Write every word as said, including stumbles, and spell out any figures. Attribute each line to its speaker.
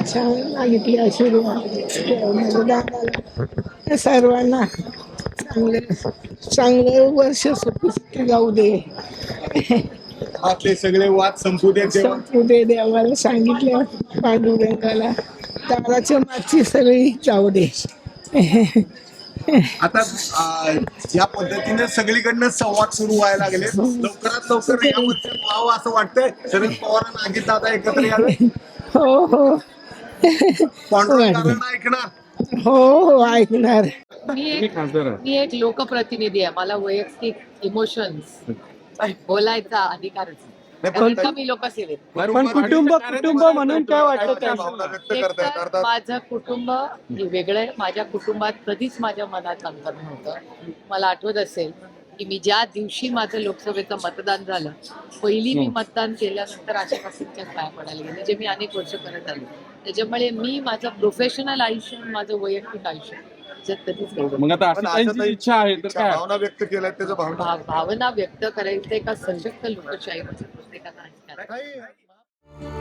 Speaker 1: छान मागितली आशीर्वाद मतदानाला सर्वांना चांगलं चांगलं वर्ष सुखी जाऊ दे.
Speaker 2: आपले सगळे वाद संपू दे देवा.
Speaker 1: संपू दे देवाला सांगितलं पांडुरंगाला. दाराच्या मागची सगळी जाऊ दे.
Speaker 2: आता अं, या पद्धतीने सगळीकडनं संवाद सुरू व्हायला लागले. लवकरात लवकर या वर्षात व्हावं असं वाटतंय. शरद पवार आणि अजित दादा एकत्र यावे.
Speaker 1: हो हो
Speaker 2: पांडुरंगाला ऐकणार.
Speaker 1: हो हो ऐकणार.
Speaker 3: मी एक मी एक लोकप्रतिनिधी आहे. मला वैयक्तिक इमोशन्स बोलायचा अधिकारच आहे. कारण का मी लोकसेवेत.
Speaker 4: पण कुटुंब कुटुंब म्हणून काय वाटतं
Speaker 2: काय
Speaker 4: त्यांना?
Speaker 2: भावना व्यक्त
Speaker 3: एक
Speaker 2: करतायत
Speaker 3: तर
Speaker 2: अर्थात
Speaker 3: माझं कुटुंब हे वेगळं आहे. माझ्या कुटुंबात कधीच माझ्या मनात अंतर नव्हतं. मला आठवत असेल की मी ज्या दिवशी माझं लोकसभेचं मतदान झालं, पहिली मी मतदान केल्यानंतर आशापासूनच्याच पाया पडायला गेले, जे मी अनेक वर्ष करत आले. त्याच्यामुळे मी माझं प्रोफेशनल आयुष्य आणि माझं वैयक्तिक आयुष्य याच्यात कधीच गेलो.
Speaker 4: मग आता
Speaker 2: पण
Speaker 4: आशाताईंची
Speaker 2: आशाताई
Speaker 4: इच्छा आहे तर
Speaker 2: इच्छा,
Speaker 4: काय?
Speaker 2: भावना व्यक्त केल्या त्याच्या भावना
Speaker 3: भाव- भावना व्यक्त करायचं एका सशक्त लोकशाहीमध्ये प्रत्येकाला अधिकार आहे.
Speaker 2: काही